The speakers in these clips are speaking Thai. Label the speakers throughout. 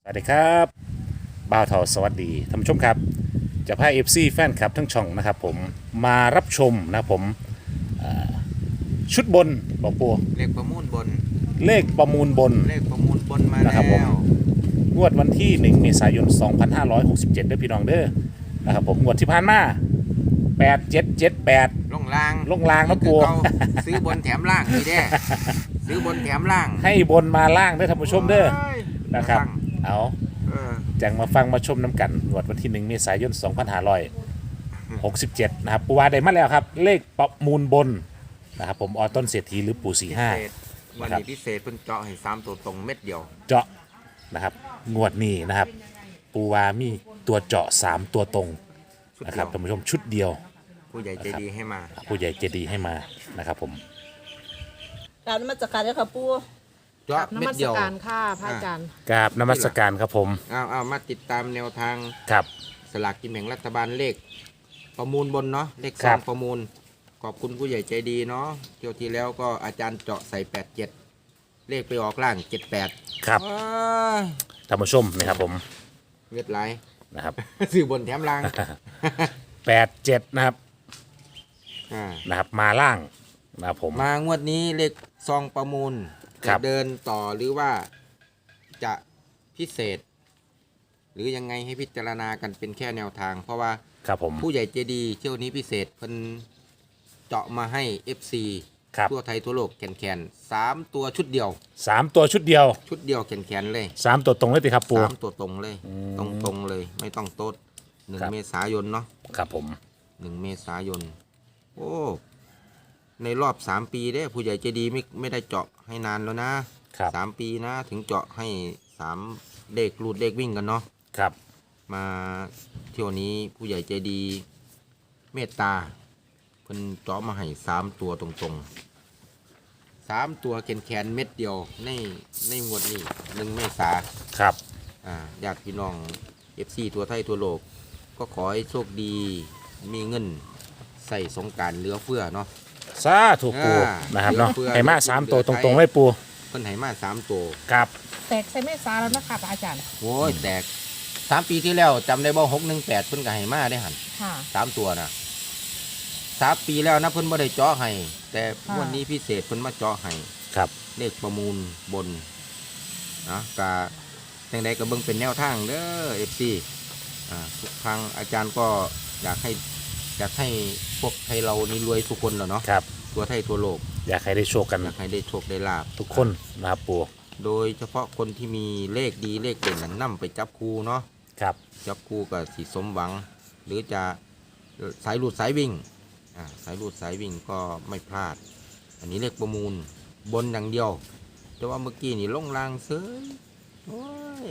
Speaker 1: สวัสดีครับบ่าวเทาสวัสดีท่านผู้ชมครับจะพาเอฟซีแฟนคลับทั้งช่องนะครับผมมารับชมนะครับผมชุดบนบอกปู
Speaker 2: เลขประมูลบน
Speaker 1: เลขประมูลบน
Speaker 2: เลขประมูลบนมา
Speaker 1: นะครั
Speaker 2: แล้
Speaker 1: บผม
Speaker 2: ว
Speaker 1: งวดวันที่ 1 เมษายน 2567ด้วยพี่น้องเด้อนะครับผมงวดที่ผ่านมา8778
Speaker 2: ลงล่าง
Speaker 1: นะปู
Speaker 2: คือเขาซื้อบนแถมล่างนี่เด้ซื้อบนแถมล่าง
Speaker 1: ให้บนมาล่างเด้อท่านผู้ชมเด้อนะครับเอา
Speaker 2: เออ
Speaker 1: จังมาฟังมาชมน้ำกันงวดวันที่ 1 เมษายน 2567นะครับปูวาได้มาแล้วครับเลขประมูลบนนะครับผมออต้นเศรษฐีหรือปู่
Speaker 2: พิเศษวันนี้พิเศษเพิ่นเจาะให้3ตัวตรงเม็ดเดียว
Speaker 1: 45เจาะนะครับงวดนี้นะครับปูวามีตัวเจาะ3ตัวตรง
Speaker 2: ชุด
Speaker 1: นะค
Speaker 2: เดี
Speaker 1: รั
Speaker 2: ย
Speaker 1: บ
Speaker 2: ว
Speaker 1: ท่านผู้ชมชุดเดียว
Speaker 2: ผู้ใหญ่ใจดีให้มา
Speaker 1: ผู้ใหญ่เจดีให้มานะครับผม
Speaker 3: กราบนมัสการเลยค่ะปู่
Speaker 2: เจาะ
Speaker 4: น
Speaker 2: เม็
Speaker 4: มั
Speaker 2: ด
Speaker 4: ส
Speaker 2: เดียว
Speaker 4: การค่ะพระอาจารย์
Speaker 1: กราบนมัสการครับผม
Speaker 2: เอามาติดตามแนวทาง
Speaker 1: ครับ
Speaker 2: สลากกินแบ่งรัฐบาลเลขประมูลบนเนาะเลข
Speaker 1: ครั
Speaker 2: สา
Speaker 1: บ
Speaker 2: มประมูลขอบคุณผู้ใหญ่ใจดีเนาะเที่ยวที่แล้วก็อาจารย์เจาะใส่87เลขไปออกล่าง78
Speaker 1: ครับ
Speaker 2: ว้าย
Speaker 1: ท่านผู้ชมนะครับผม
Speaker 2: เวทไร
Speaker 1: นะครับ
Speaker 2: ซื้อบนแถมล่าง
Speaker 1: 87นะครับ
Speaker 2: อ่า
Speaker 1: นะครับมาล่างนะครับผม
Speaker 2: มางวดนี้เลขซองประมูล
Speaker 1: ครั
Speaker 2: จะ
Speaker 1: บ
Speaker 2: เดินต่อหรือว่าจะพิเศษ หรือยังไงให้พิจารณากันเป็นแค่แนวทาง เพราะว่า
Speaker 1: ครับผม
Speaker 2: ผู้ใหญ่ใจดีเที่ยวนี้พิเศษเพิ่นเจาะมาให้ FC
Speaker 1: ครับ
Speaker 2: ทั่วไทยทั่วโลกแขน3ตัวชุดเดียว
Speaker 1: 3ตัวชุดเดียว
Speaker 2: แขนเลย
Speaker 1: 3ตัวตรงเลยสิครับปู
Speaker 2: 3ตัวตรงเลย ตรงเลยไม่ต้องโต๊ด
Speaker 1: ครับ
Speaker 2: 1 เมษายนเนาะ
Speaker 1: ครับผม
Speaker 2: 1 เมษายน โอ้ ในรอบ 3 ปีเด้ผู้ใหญ่ใจดีไม่ได้เจาะให้นานแล้วนะครับ 3 ปีนะ ถึงเจาะให้3เลขรูดเลขวิ่งกันเนาะ
Speaker 1: ครับ
Speaker 2: มาเที่ยวนี้ผู้ใหญ่ใจดีเมตตาเพิ่นเจาะมาให้3ตัวตรงๆ3ตัวแขนเม็ดเดียวในงวดนี้1 เมษา
Speaker 1: ครับ
Speaker 2: ญาติพี่น้อง FC ทั่วไทยทั่วโลก ก็ขอให้โชคดีมีเงินใส่สงกรานต์เหลือเฟือเนาะ
Speaker 1: สาธุปู
Speaker 2: อ่า
Speaker 1: นะครับเนาะ
Speaker 2: เพื่อ
Speaker 1: ให้มา3ตัวตรงๆเลยปู
Speaker 2: เพิ่นให้มา3ตัว
Speaker 1: ครับ
Speaker 4: แตกใส่เมษาแล้วนะคะพระอาจารย์
Speaker 2: โอ้ยแตก3 ปีที่แล้วจำได้บ่618เพิ่นก็ให้มาได้หั่น
Speaker 4: ค่ะ
Speaker 2: 3ตัวนะ3 ปีแล้วนะเพิ่นบ่ได้เจาะให้แต่
Speaker 4: ค่ะ
Speaker 2: วันนี้พิเศษเพิ่นมาเจาะให้
Speaker 1: ครับ
Speaker 2: เลขประมูลบนนะกะจังใดก็เบิ่งเป็นแนวทางเด้อ FC ทุกครั้งอาจารย์ก็อยากให้พวกไทยเรานี่รวยทุกคนแล้วเนาะ
Speaker 1: ครับ
Speaker 2: ทั่วไทยทั่วโลก
Speaker 1: อยากให้ได้โชคกัน
Speaker 2: อยากให้ได้โชคได้ลาบ
Speaker 1: ทุกคนนะครับปู
Speaker 2: โดยเฉพาะคนที่มีเลขดีเลขเด่นนั้นนำไปจับคู่เนาะ
Speaker 1: ครับ
Speaker 2: จับคู่กับสีสมหวัง หรือจะสายหลุดสายวิ่งสายหลุดสายวิ่งก็ไม่พลาด อันนี้เลขประมูลบนอย่างเดียว แต่ว่าเมื่อกี้นี่ลงรางเซยโอ้ย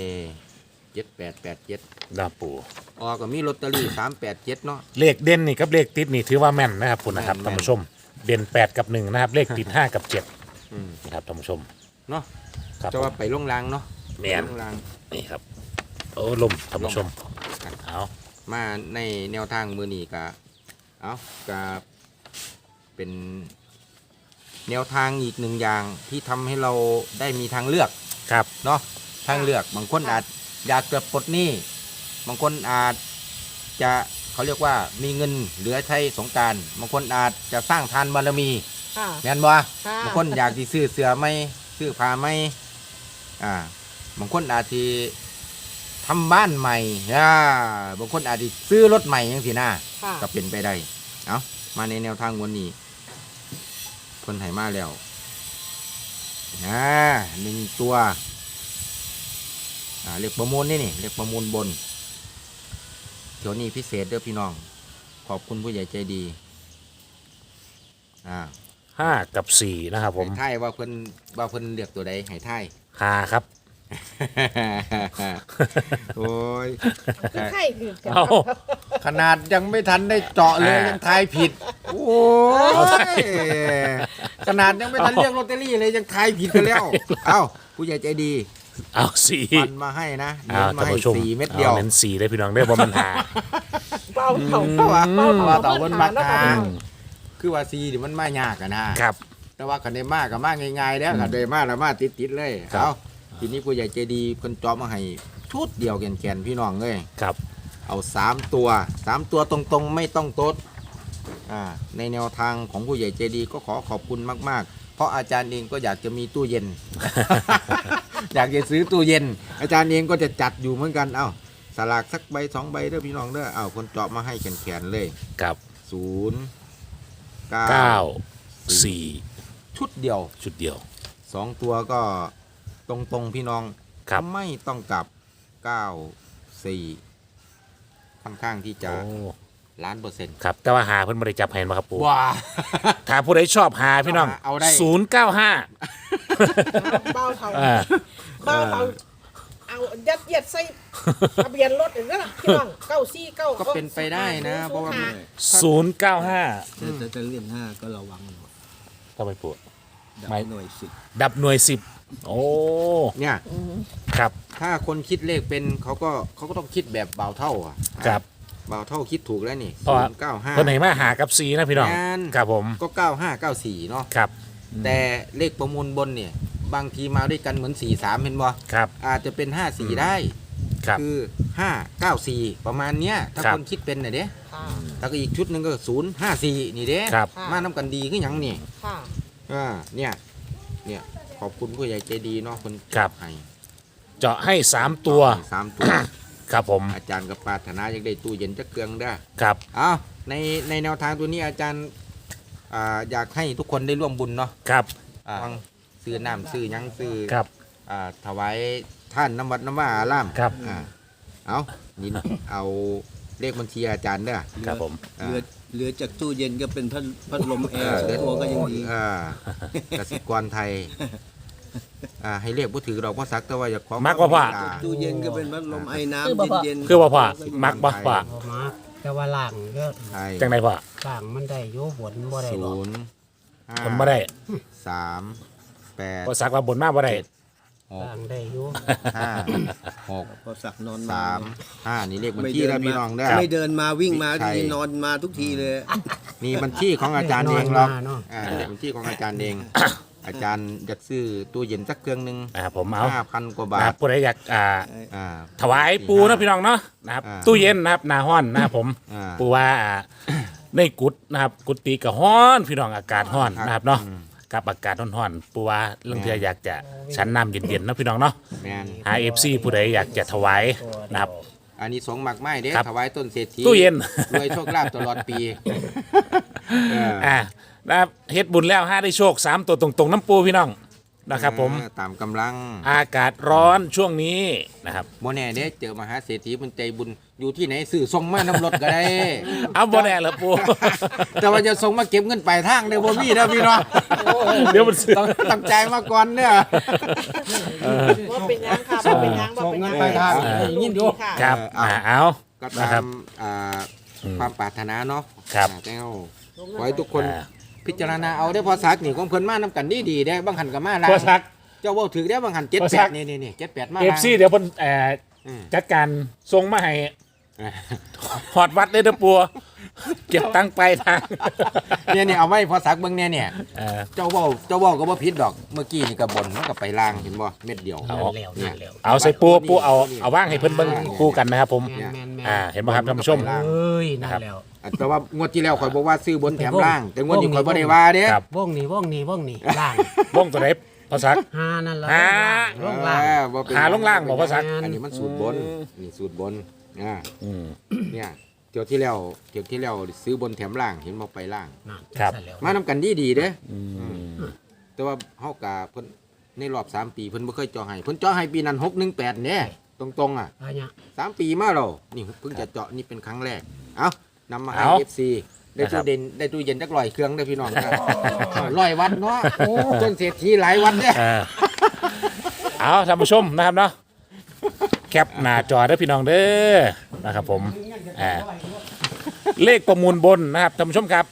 Speaker 2: 7887
Speaker 1: นะปู
Speaker 2: ออกก็มีลอตเตอรี่387เนาะ
Speaker 1: เลขเด่นนี่กับเลขติดนี่ถือว่าแม่นนะครับคุณนะครับ
Speaker 2: แม่น
Speaker 1: ท่านผู้ชมเด่น8กับ1นะครับเลขติด5กับ7
Speaker 2: อืม
Speaker 1: นะครับท่านผู้ชม
Speaker 2: เนาะ
Speaker 1: ครับ
Speaker 2: จะว่าไปลงรางเนาะ
Speaker 1: แม่น
Speaker 2: ไปลงราง
Speaker 1: นี่ครับโอ้ลมท่านผู้ชมเอา
Speaker 2: มาในแนวทางมือนี้ก็เอาก็เป็นแนวทางอีกหนึ่งอย่างที่ทำให้เราได้มีทางเลือก
Speaker 1: ครับ
Speaker 2: เนาะทางเลือกบางคนอาจอยากจะปลดหนี้บางคนอาจจะเขาเรียกว่ามีเงินเหลือใช้สงกรานต์บางคนอาจจะสร้างทานบารมี
Speaker 4: ค่ะ
Speaker 2: แม่นบ่
Speaker 4: ค่ะ
Speaker 2: บางคนอยากที่ซื้อเสื้อไหมซื้อผ้าไหมบางคนอาจจะทำบ้านใหม่บางคนอาจจะซื้อรถใหม่ยังสินะ
Speaker 4: ค่ะ
Speaker 2: ก็เป็นไปได้เอามาในแนวทางวันนี้คนไห้มาแล้ว1 ตัวเรียกประมูลนี่เรียกประมูลบนเดี๋ยวนี้พิเศษเด้อพี่น้อง ขอบคุณผู้ใหญ่ใจดี
Speaker 1: 5กับ4นะครับผม
Speaker 2: ให้ท่ายว่าเพิ่นเลือกตัวใดให้ท่าย
Speaker 1: 5ครับ
Speaker 2: โอ้ย
Speaker 4: คือไข่คือกัน
Speaker 1: เอา
Speaker 2: ขนาดยังไม่ทันได้เจาะเลยยังทายผิด โอ้ยขนาดยังไม่ทันเรียกลอตเตอรี่เลยยังทายผิดกันแล้ว เอ้าผู้ใหญ่ใจดี
Speaker 1: เอา4
Speaker 2: ฟันมาให้นะ
Speaker 1: เอา
Speaker 2: เน้นมา
Speaker 1: ท่าน
Speaker 2: ให้
Speaker 1: ผู้ชม
Speaker 2: 4 เม็ดเดียว
Speaker 1: อาเน้น4ได้พี่น้องได้บ่มันหา
Speaker 4: เบาเข่า
Speaker 2: เพราะว่า
Speaker 4: ว่า
Speaker 2: ต่อวันบัก
Speaker 4: นะ
Speaker 2: ทา
Speaker 4: คะ
Speaker 2: งคือว่าซีนี่มันมายากอะนะครับ แต่ว่าคันได้มากก็มากง่ายๆแล้วคันได้มากแล้วมาติดๆเลย
Speaker 1: ครับ
Speaker 2: เอาทีนี้ผู้ใหญ่ใจดีเพิ่นจอมาให้ชุดเดียวแกนๆพี่น้องเลย
Speaker 1: ครับ
Speaker 2: เอา3 ตัวตรงๆไม่ต้องโต๊ดในแนวทางของผู้ใหญ่ใจดีก็ขอขอบคุณมากๆ เพราะอาจารย์เองก็อยากจะมีตู้เย็น อยากจะซื้อตู้เย็น อาจารย์เองก็จะจัดอยู่เหมือนกันเอ้าสลากสักใบ2 ใบเด้อพี่น้องเด้อเอ้าคนเจาะมาให้แขนๆเลย
Speaker 1: กับ
Speaker 2: 0
Speaker 1: เก้า
Speaker 2: 9
Speaker 1: สี่
Speaker 2: ชุดเดียว
Speaker 1: ชุดเดียว
Speaker 2: 2 ตัวก็ตรงๆพี่น้อง
Speaker 1: ครับ
Speaker 2: ไม่ต้องกลับ 9 4 ค่อนข้างที่จะ
Speaker 1: โอ้
Speaker 2: 1,000,000%
Speaker 1: ครับแต่ว่าหาเพิ่นบ่ได้จับให้มาครับปู
Speaker 2: ว้า
Speaker 1: ถ้าผู้ใดชอบหาพี่น้อง
Speaker 2: เอาได้
Speaker 1: 095
Speaker 4: เบ้าเท่า
Speaker 1: อ่า
Speaker 4: เบ้าเท่าเอายัดเยียดใส่ทะเบียนรถอย่างนั้นน่ะพี่น้อง949
Speaker 2: ก็เป็นไปได้นะ เพราะว่า
Speaker 1: 095
Speaker 5: แต่เล่น5ก็ระวังหน่อย
Speaker 1: ทำไมปู
Speaker 5: ดับ
Speaker 1: ไม่
Speaker 5: หน่วยสิบ
Speaker 1: ดับหน่วย 10 โอ้
Speaker 2: เนี่ย
Speaker 1: ครับ
Speaker 2: ถ้าคนคิดเลขเป็นเขาก็ต้องคิดแบบเบาเท่าอ่ะ
Speaker 1: ครับ
Speaker 2: เบาเท่าคิดถูกแล้วนี่
Speaker 1: เพราะว่า
Speaker 2: 095
Speaker 1: เพิ่นให้มาหากับ4นะพี่น้อง
Speaker 2: งาน
Speaker 1: ครับผม
Speaker 2: ก็9594เนาะ
Speaker 1: ครับ
Speaker 2: แต่เลขประมูลบนเนี่ยบางทีมาด้วยกันเหมือน43เห็นบ่
Speaker 1: ครับ
Speaker 2: อาจจะเป็น54ได้
Speaker 1: ครับ
Speaker 2: คือ594ประมาณเนี้ยถ้า
Speaker 1: ครับ
Speaker 2: คนคิดเป็นน่ะเด้
Speaker 4: ค่ะ
Speaker 2: แล้วก็อีกชุดหนึงก็054นี่เด้
Speaker 1: ครับ
Speaker 2: มานํกันดีคือหยังนี่
Speaker 4: ค่ะ
Speaker 2: เนี่ยขอบคุณผู้ใหญ่ใจดีเนาะคน
Speaker 1: ครับ
Speaker 2: ให้
Speaker 1: เจาะให้ 3 ตัว
Speaker 2: 3 ตัว
Speaker 1: ครับผม
Speaker 2: อาจารย์กับปรารถนาอยากได้ตู้เย็นจักเครื่องได้อ
Speaker 1: ครับ
Speaker 2: เอาในแนวทางตัวนี้อาจารย์อยากให้ทุกคนได้ร่วมบุญเนาะ
Speaker 1: ครับ
Speaker 2: ฟังซื้อน้ำซื้อหยังซื้อ
Speaker 1: ครับ
Speaker 2: ถวายท่านน้ำวัดน้ำว่าอาราม
Speaker 1: ครับ
Speaker 2: เอานี่เอาเลขบัญชีอาจารย์เด้อ
Speaker 1: ครับผม
Speaker 5: เหลือจากตู้เย็นก็เป็นพัดลมแอร์
Speaker 2: เหลือ
Speaker 5: ตัวก็ยังดี
Speaker 2: กสิกรไทยให้เรียกผู้ถือเราพ่อซักแต่ว่าอย่าขอ
Speaker 1: มักว่าพ่อ
Speaker 5: ตู้เย็นก็เป็นพัดลมไอ้น้
Speaker 3: คือบ่พอ
Speaker 5: ำเย็นๆ
Speaker 1: คือว่าพ่อมักบ่พ่อ
Speaker 6: มาแต่ว่าล่างก็
Speaker 2: ไทย
Speaker 1: จังไดพ่อ
Speaker 6: ล่างมันได้อยู่บนบ่ได้หรอก
Speaker 2: 0
Speaker 1: ผมบ่ได้
Speaker 2: 3 8
Speaker 1: บ่สักว่าบนมาบ่ได้
Speaker 6: ล่างได้อยู่
Speaker 2: 5 6
Speaker 5: พอสักนอน
Speaker 2: 3 5นี่เลขบัญชีแล้วพี่น้องเด้อ
Speaker 5: ไม่เดินมาวิ่งมา
Speaker 2: ใช่
Speaker 5: ทีนอนมาทุกทีเลย
Speaker 2: นี่บัญชีของอาจารย์เองหรอก
Speaker 6: เนาะ
Speaker 2: บัญชีของอาจารย์เอง อาจารย์อยากซื้อตู้เย็นสักเครื่องหนึง
Speaker 1: ผมเอา
Speaker 2: 5,000 กว่า
Speaker 1: นะ
Speaker 2: บา
Speaker 1: ครั
Speaker 2: ท
Speaker 1: บผู้ใดอยาก
Speaker 2: อ่า
Speaker 1: ถวายปูนะพี่น้องเนาะนะครับ ตู้เย็นนะครับหนาห้อนนะครับผม
Speaker 2: อ่า
Speaker 1: ปูว่าในกุดนะครับกุฏิก็ฮ้อนพี่น้องอากาศฮ้อนนะครับเนาะกับอากาศร้อนๆปูว่าเรื่องที่อยากจะชั้นน้ำเย็นๆนะพี่น้องเนาะ
Speaker 2: แมน
Speaker 1: หา FC ผู้ใดอยากจะถวายนะครับ
Speaker 2: อันนี้สงหมักไม้เด้
Speaker 1: ครับ
Speaker 2: ถวายต้นเศรษฐี
Speaker 1: ตู้เย็น
Speaker 2: รวยโชคลาภตลอดปีเออ
Speaker 1: นะครับเฮ็ดบุญแล้วห้าได้โชค3 ตัวตรงๆน้ำปูพี่น้องนะครับผม
Speaker 2: ตามกำลัง
Speaker 1: อากาศร้อนช่วงนี้นะครับ
Speaker 2: โมแน่เด้เจอมหาเศรษฐีมันใจบุญอยู่ที่ไหนสื่อส่งมาน้ำรถก็ได้
Speaker 1: เอาบ่แน่เหรอปู
Speaker 2: แต่ว่าจะส่งมาเก็บเงินปลายทางเด้อบ่มีเด้อพี่น้อง
Speaker 1: เดี๋ยวมันซื้อ
Speaker 2: ต้องใจายมาก่อนเนี่ย
Speaker 4: ว่าเป็นยังค่ะว่าเป็นยังว่าเป็นยัง
Speaker 2: ส่งเงินปลายทาง
Speaker 4: ยินดีค่ะ
Speaker 1: ครับ เอา
Speaker 2: ก็
Speaker 1: นะ
Speaker 2: ตา
Speaker 1: ครับ
Speaker 2: มความปรารถนาเนาะ
Speaker 1: ครับ
Speaker 2: แต่เอาขอให้ทุกคนพิจารณาเอาได้อพอสักนี่ของเพิ่นมานํกันดีๆได้อบางหันก็มาลา
Speaker 1: พอสัก
Speaker 2: เจ้าเว้าถือได้อบางหัน
Speaker 1: พอสัก
Speaker 2: 78นี่78มา
Speaker 1: เอ
Speaker 2: ลา
Speaker 1: ฟซีเดี๋ยวเพิ่น
Speaker 2: อืม
Speaker 1: จัดการส่งมาให้หอดวัดเลยเด้อปัวเก็บตังค์ไปลายทาง
Speaker 2: เนี่ยเอาไว้พอสักเบิ่งเนี่ย
Speaker 1: เออ
Speaker 2: เจ้าเว้าก็บ่ผิดดอกเมื่อกี้นี่ก็บ่นมันก็ไปล่างเห็นบ่เม็ดเดียว
Speaker 1: เอา
Speaker 6: นั่นแล้วนั่นแล้ว
Speaker 1: เอาใส่ปูเอาว่างให้เพิ่นเบิ่งคู่กันนะครับผม
Speaker 6: แม่นแม่นแม่น
Speaker 1: เห็นไหมครับท่านผู้ชม
Speaker 6: เอ้ยนั่นแล้ว
Speaker 2: แต่ว่างวดที่แล้วข่อยบอกว่าซื้อบนแถมล่าง แต่งวดนี้ข่อยบ่ได้ว่าเด้
Speaker 1: ครับ
Speaker 6: วงนี้ล่าง
Speaker 1: บ้งตัวไหนภาษา
Speaker 6: หานั่นละ
Speaker 1: หา
Speaker 6: ลงล่าง
Speaker 2: บ่เป็น
Speaker 1: หาลงล่างบอกภาษา
Speaker 2: อันนี้มันสูตรบนนี่สูตรบนอ่า
Speaker 1: อืม
Speaker 2: เนี่ยเที่ยวที่แล้วซื้อบนแถมล่างเห็นบ่ไปล่าง
Speaker 6: นั่น
Speaker 1: ครับ
Speaker 6: นั่นแล้ว
Speaker 2: มานํกันดีเด้
Speaker 1: อืม
Speaker 2: แต่ว่าเฮากะเพิ่นในรอบ3 ปีเพิ่นบ่เคยเจาะให้เพิ่นเจาะให้ปีนั้น618เนี่ยตรงๆอ่ะ
Speaker 6: อะไรเนี่ย
Speaker 2: 3 ปีมาแล้วนี่เพิ่งจะเจาะนี่เป็นครั้งแรกเอ้านำมาให้
Speaker 1: เอา
Speaker 2: FC ได้ตู้เย็นจัก100เครื่องเด้อพี่น้องครับ100วัตต์เนาะจนเศรษฐีหลายวัตต์เนี่ย
Speaker 1: เอาท่านผู้ชมนะครับเนาะแคปหน้าจอได้อพี่น้องเด้อนะครับผมเลขประมูลบนนะครับท่านผู้ชมครับ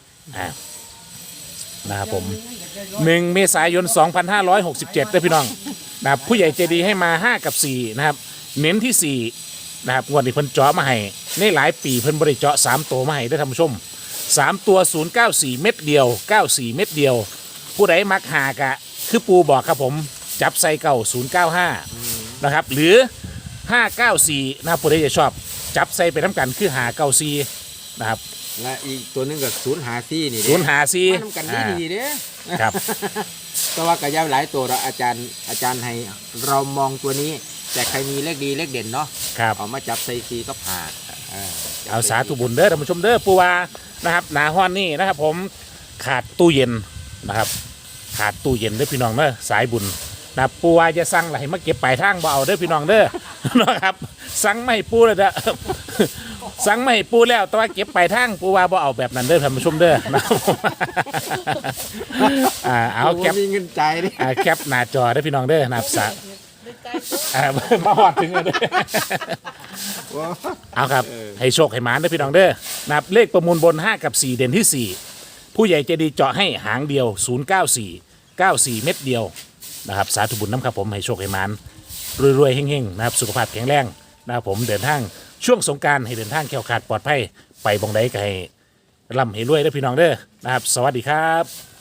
Speaker 1: นะครับผม1 เมษายน 2567เด้อพี่น้องนะครับผู้ใหญ่ใจดีให้มา 5 กับ 4 นะครับ เน้นที่ 4 นะครับงวดนี้เพิ่นเจาะมาให้ในหลายปีเพิ่นบ่ได้เจาะ3 ตัวมาให้ได้อท่านผู้ชม 3 ตัว 094 เม็ดเดียว 94 เม็ดเดียว ผู้ใดมักหากะคือปูบอกครับผมจับใส่เก่า095นะครับหรือ 594นะครับผู้ใดจะชอบจับใส่ไปน้ำกันคือ594นะครับ
Speaker 2: และอีกตัวหนึงก็ศูนย์หาซี่นี่เด้
Speaker 1: 054
Speaker 2: มาทำกันดีๆเด้
Speaker 1: ครับ
Speaker 2: แต่ว่ากระยาหลายตัวเราอาจารย์ให้เรามองตัวนี้ แต่ใครมีเลขดีเลขเด่นเนาะ
Speaker 1: ครับ
Speaker 2: เอามาจับใส่ซีก็ผ่า
Speaker 1: เอาสาธุบุญเด้อท่านผู้ชมเด้อปูวานะครับหนาฮ้อนนี่นะครับผมขาดตู้เย็นนะครับขาดตู้เย็นเด้อพี่น้องเด้อสายบุญนะปูวาจะสั่งอะไรมาเก็บปลายทางบ่เอาเด้อพี่น้องเด้อ นะครับสั่งไม่ให้ปูเลยเด้อ สั่งไม่ให้ปูแล้วแต่ว่าเก็บปลายทางปูวาบ่เอาแบบนั้นเด้อท่านผู้ชมเด้อ นะครับผมเอาแคป
Speaker 2: มีเงินใจายดิ
Speaker 1: แคปหน้าจอเด้อพี่น้องเด้อนะครับสามาหอดถึงเลยเด้อ เอาครับ ให้โชคให้หมานได้อพี่น้องเด้อนะครับเลขประมูลบน 5 กับ 4 เด่นที่ 4 ผู้ใหญ่ใจดีเจาะให้หางเดียว 094 94 เม็ดเดียวนะครับสาธุบุญน้ำครับผมให้โชคให้หมานรวยๆเฮงๆนะครับสุขภาพแข็งแรงนะครับผมเดินทางช่วงสงกรานต์ให้เดินทางแข็งขาดปลอดภัยไปบองใดก็ให้ร่ำให้รวยได้อพี่น้องเด้อนะครับสวัสดีครับ